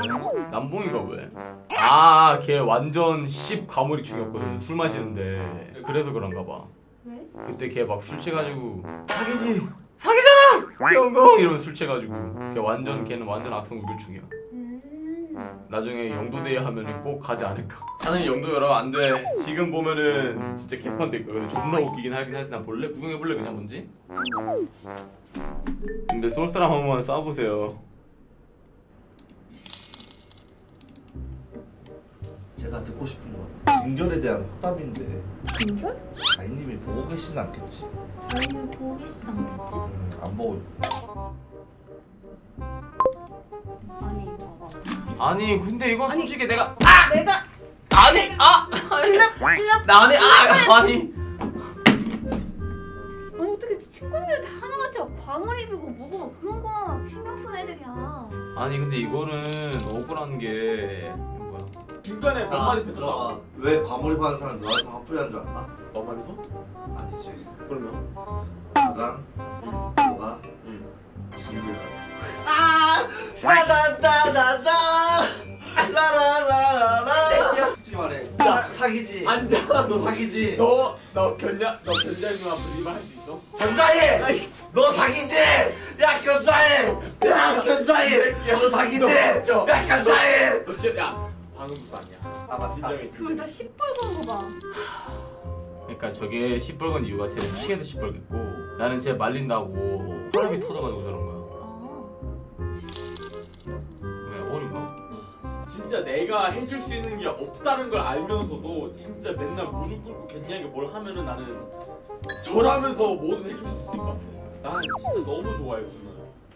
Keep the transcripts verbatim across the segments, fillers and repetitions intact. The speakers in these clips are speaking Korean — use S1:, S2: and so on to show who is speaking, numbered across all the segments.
S1: 남봉?
S2: 남봉이가 왜? 아, 걔 완전 십 과몰입 중이었거든. 술 마시는데. 그래서 그런가 봐.
S1: 왜?
S2: 그때 걔 막 술 취해가지고 사기지! 사기잖아! 영공! 이러면서 술 취해가지고 걔 완전 걔는 완전 악성 우울증이야.
S1: 음.
S2: 나중에 영도대회 하면은 꼭 가지 않을까. 사장님 영도 여러 안 돼. 지금 보면은 진짜 개판될 거야. 근데 존나 웃기긴 하긴 하지. 나 볼래? 구경해볼래 그냥 뭔지? 근데 솔사람 한 번만 쏴보세요.
S3: 제가 듣고 싶은 건 진결에 대한 확답인데
S1: 진결?
S3: 자이님이 보고 계시진 않겠지?
S1: 자기는 보고 계시지 않겠지?
S3: 음, 안 보고 있고.
S1: 아니 봐봐.
S2: 아니 근데 이건
S1: 아니,
S2: 솔직히 내가
S1: 내가
S2: 아니 아!
S1: 질납 질납.
S2: 나 아니 아! 아니
S1: 아니 어떻게 친구들 다 하나같이 과몰입이고 뭐고 그런 거 신경 쓰는 애들이야.
S2: 아니 근데 이거는 억울한 게 이거 뭐야?
S4: 중간에 몇 마디 뱉었다.
S3: 왜 과몰입하는 사람 너한테 화풀이한 줄 알아?
S4: 너 말해서?
S3: 아니지.
S4: 그러면?
S3: 가장
S4: 응.
S3: 너가
S4: 응.
S3: 진결. 아! 나나나나나 라라라라라. 솔직히 말해. 나 사기지.
S4: 앉아.
S3: 너 사기지.
S4: 너, 너 견자, 너 견자인 누나 부리만 할 수 있어?
S3: 견자해. 너 사기지. 야 견자해. 야 견자해. 너 사기지.
S4: 너,
S3: 야 견자해.
S4: 너 진짜, 야, 방금부터 아니야.
S3: 아 맞다.
S4: 진정해,
S1: 둘
S4: 진정해.
S1: 다 시뻘건 거 봐.
S2: 그러니까 저게 시뻘건 이유가 쟤는 취해서 시뻘겠고 나는 쟤 말린다고 혈압이 터져가지고 저런 거야.
S1: 아.
S2: 왜 어린가?
S4: 진짜 내가 해줄 수 있는 게 없다는 걸 알면서도 진짜 맨날 무릎 꿇고 겠냐게 뭘 하면은 나는 절하면서 뭐든 해줄 수 있을 것 같아. 나는 진짜 너무 좋아해, 그거는.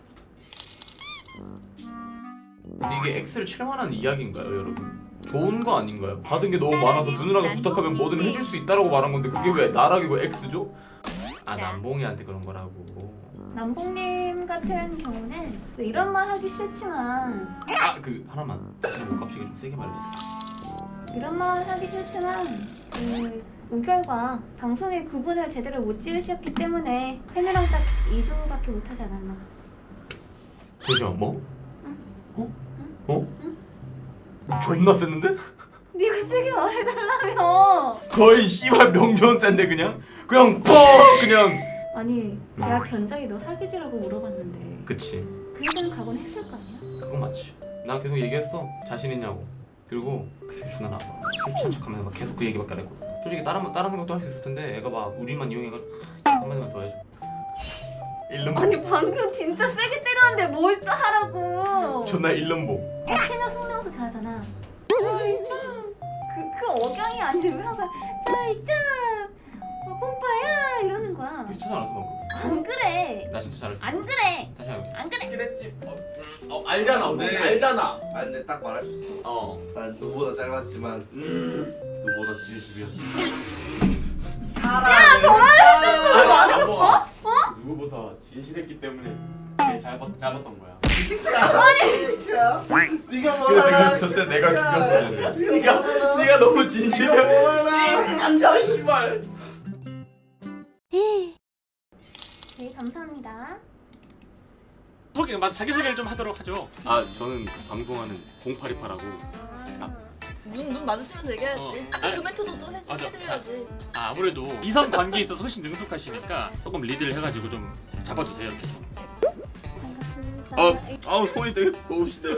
S2: 근데 이게 X를 칠 만한 이야기인가요, 여러분? 좋은 거 아닌가요? 받은 게 너무 많아서 누누나가 부탁하면 뭐든 해줄 수 있다라고 말한 건데 그게 왜 나락이고 X죠? 아 남봉이한테 그런 거라고.
S1: 남봉님 같은 경우는 또 이런 말 하기 싫지만
S2: 아 그 하나만 다시 못 값시게 좀 세게 말해주세요.
S1: 이런 말 하기 싫지만 그 의결과 방송의 구분을 제대로 못 지으셨기 때문에 팬이랑 딱 이 주밖에 못하지 않았나.
S2: 잠시만 뭐? 어? 어? 존나 셌는데?
S1: 네가 세게 말해달라며.
S2: 거의 씨발 명존 센데 그냥? 그냥 퍽 그냥.
S1: 아니 내가 견자기 너 사기지라고 물어봤는데
S2: 그치
S1: 그 얘기는 각오는 했을 거 아니야?
S2: 그건 맞지. 나 계속 얘기했어 자신 있냐고. 그리고 그 새끼 존나 나빠. 술 취한 척하면서 막 계속 그 얘기밖에 안 했고 솔직히 다른 다른 생각도 할 수 있을 텐데 애가 막 우리만 이용해가지고 한마디만 더 해줘. 일름
S1: 아니 방금 진짜 세게 때렸는데 뭘 또 하라고.
S2: 존나 일름보.
S1: 캐녀 성대모사 잘하잖아. 짜이짱. 그, 그 억양이 아닌데 왜 항상 짜이짱 어, pom파야 이러는 거야.
S2: 미쳤지 않았어 방금?
S1: 안 그래.
S2: 나 진짜 잘했어.
S1: 안 그래.
S2: 다시 해볼게.
S1: 안 그래.
S4: 그랬지. 어, 음, 어 알잖아.
S3: 네.
S4: 네. 알잖아.
S3: 아 근데 딱 말할 수 있어.
S4: 어.
S3: 난 너보다 짧았지만
S4: 음.
S3: 너보다 진심이었어.
S1: 야 전화를 했던 거 말해줬어? 어?
S4: 누구보다 진실했기 때문에 제일 잘 봤, 잘 봤던 거야.
S3: 네가 뭘
S2: 그래
S3: 알아?
S2: 내가 저때 내가 죽였어.
S4: 네가 네가 너무 진실해.
S3: 네가 뭘 알아?
S4: 앉아 씨발.
S1: 네 감사합니다.
S5: 소개, 맞 자기 소개를 좀 하도록 하죠.
S2: 아 저는 그 방송하는 공팔이팔하고
S6: 눈, 눈 마주치면서 얘기해야지.
S5: 어.
S6: 아까
S5: 아니,
S6: 그 멘트도 또 해,
S5: 맞아.
S6: 해드려야지.
S5: 아, 아무래도 이성 관계에 있어서 훨씬 능숙하시니까 조금 리드를 해가지고 좀 잡아주세요 이렇게 좀.
S1: 반갑습니다.
S2: 어 아우 손이 되게 고우시네요.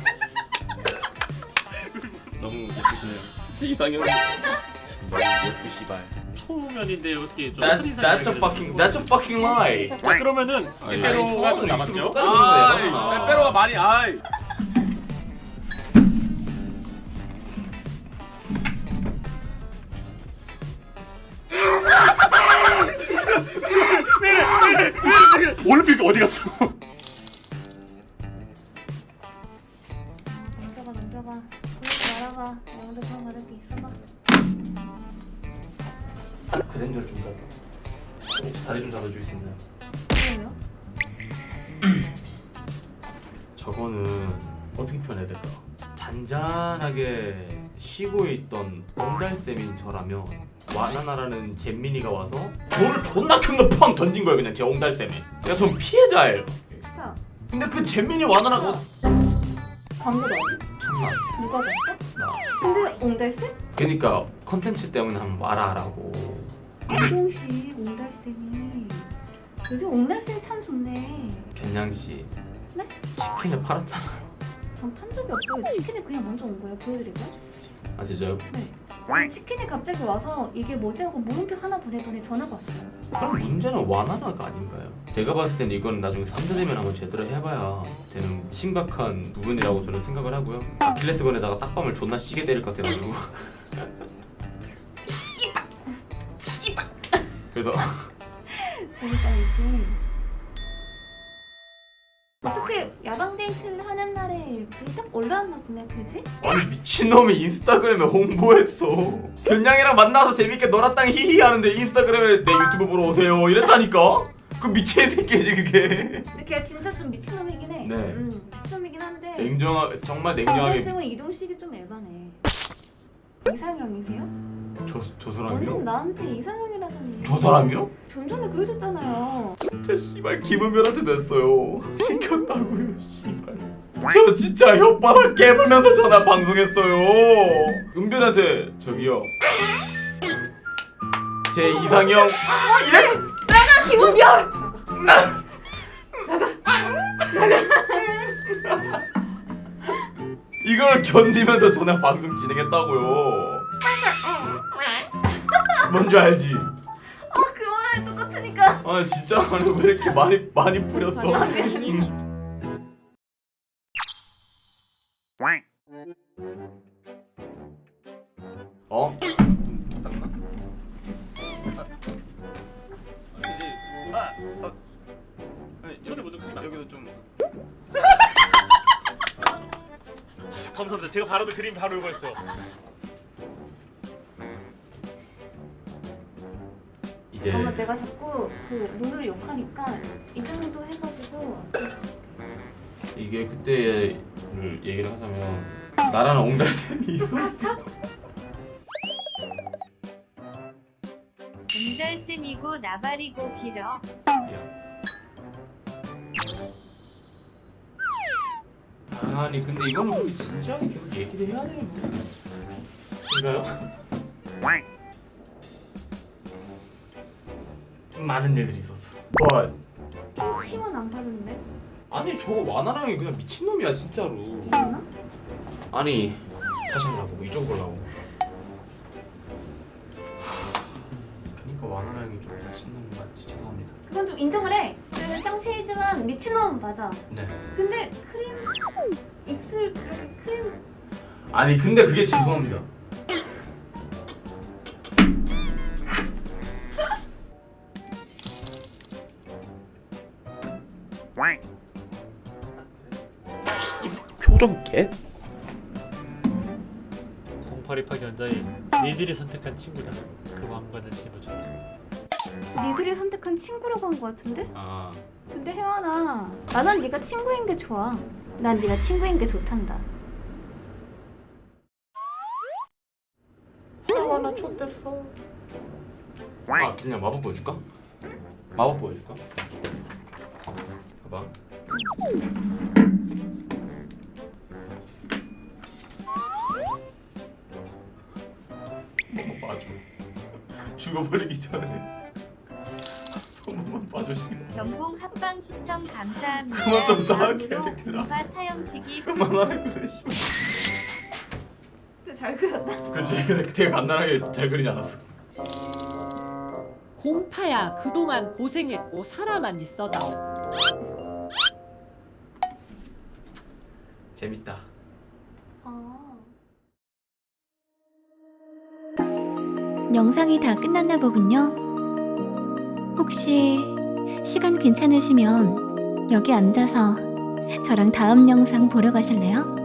S2: 너무 예쁘시네요. 제 이상형 너무 예쁘시발.
S5: 초면인데 어떻게 좀
S2: That's that's a fucking that's a fucking lie.
S5: 자 그러면은
S2: 아,
S5: 빼빼로
S2: 야,
S5: 초가도
S2: 이거
S5: 남았죠?
S2: 아,
S4: 아, 빼빼로가 많이 아이.
S5: 올림픽 어디 갔어?
S1: 넘겨봐 넘겨봐. 그러지 말아봐. 너한테 그런 말할 게 있어봐.
S2: 그랜저 준다. 혹시 다리 좀 잡아줄 수 있나요?
S1: 뭐예요?
S2: 저거는 어떻게 표현해야 될까? 잔잔하게 쉬고 있던 옹달샘인 저라면 와나나라는 잼민이가 와서 돌을 존나 큰 거 팡 던진 거야 그냥 제 옹달샘에. 그러니까 전 피해자예요.
S1: 진짜.
S2: 근데 그 잼민이 와나나가
S1: 광고 넣었어?
S2: 천만
S1: 누가 봤어?
S2: 나
S1: 근데 옹달샘?
S2: 그니까 컨텐츠 때문에 한번 말아라고.
S1: 이동식 옹달샘이 요즘 옹달샘이 참 좋네.
S2: 견양씨
S1: 네?
S2: 치킨을 팔았잖아요.
S1: 전 판 적이 없어요. 치킨이 그냥 먼저 온 거예요. 보여드릴까요?
S2: 아 진짜요?
S1: 네. 치킨이 갑자기 와서 이게 뭐지 하고 물음표 하나 보내더니 전화가 왔어요.
S2: 그럼 문제는 와나나가 아닌가요? 제가 봤을 때는 이건 나중에 삼 대 되면 한번 제대로 해봐야 되는 심각한 부분이라고 저는 생각을 하고요. 아킬레스건에다가 딱밤을 존나 시게 때릴 것 같아가지고 그래서
S1: 재밌다겠지. 어떻게 야방 데이트를 하는 날에 그게 딱 올라왔나 보네, 그지?
S2: 아니 미친놈이 인스타그램에 홍보했어. 견양이랑 만나서 재밌게 놀았당 히히 하는데 인스타그램에 내 유튜브 보러 오세요 이랬다니까? 그 미친 새끼지 그게.
S1: 근데 걔가 진짜 좀 미친놈이긴 해.
S2: 네.
S1: 음, 미친놈이긴 한데
S2: 냉정하 정말 냉정하게
S1: 옹달샘은 이동식이 좀 에바네. 이상형이세요?
S2: 저, 저
S1: 완전
S2: 사람이요?
S1: 나한테 이상형이라더니
S2: 저 사람이요?
S1: 좀 전에 그러셨잖아요.
S2: 진짜 씨발 김은별한테 됐어요. 시켰다고요 씨발. 저 진짜 혓바닥 깨물면서 전화 방송했어요. 은별한테 저기요 제 이상형 이래
S1: 아, 김은별!
S2: 나 이걸 견디면서 전화 방송 진행했다고요. 뭔지 알지?
S1: 아 그만해 똑같으니까.
S2: 아 진짜 아니 왜 이렇게 많이 많이 뿌렸어? 어?
S5: 아, 아, 아니 저기 묻은 거
S2: 여기도 좀
S5: 감사합니다. 제가 바로도 그림 바로 읽었어요.
S2: 이제
S1: 아마 내가 자꾸 그 눈으로 욕하니까 이 정도 해가지고
S2: 이게 그때를 얘기를 하자면 나라는 옹달샘이 있었어.
S7: 옹달샘이고 나발이고 길어.
S2: 아니 근데 이거는 우리 진지하게 계속 얘기를 해야 되는 부분인가요? 많은 일들이 있었어. 뭘?
S1: 치원 안 받는데?
S2: 아니 저거 와나랑이 그냥 미친놈이야 진짜로.
S1: 이거나?
S2: 아니 다시 하라고 이쪽으로 가고. 그니까 와나랑이 좀 미친놈 맞지 죄송합니다.
S1: 그건 좀 인정을 해. 그 짱치이지만 미친놈 맞아.
S2: 네.
S1: 근데 크림 입술 그렇게 크림
S2: 아니 근데 그게 죄송합니다. 표정 깨?
S5: 공팔이파기 원자인 니들이 선택한 친구다. 그 왕관을 짊어져.
S1: 니들이 선택한 친구라고 한 거 같은데?
S2: 아
S1: 근데 혜원아, 나는 네가 친구인 게 좋아. 난 네가 친구인 게 좋단다.
S2: 혜원아 촌됐어. 아 그냥 마법 보여줄까? 마법 보여줄까? 봐봐. 한번 봐줘. 죽어버리기 전에 한 번만 봐주시면.
S7: 경공 합방 시청 감사합니다.
S2: 그만 좀 싸게,
S7: 다음으로
S2: 새끼들아.
S7: 공파 사형식이
S2: 그만하래 그래 씨발.
S1: 근데 잘 그렸다.
S2: 그치 근데 되게 간단하게 잘 그리지 않았어.
S8: 공파야 그동안 고생했고 살아만 있어다.
S2: 재밌다.
S1: 아.
S9: 영상이 다 끝났나 보군요. 혹시 시간 괜찮으시면 여기 앉아서 저랑 다음 영상 보러 가실래요?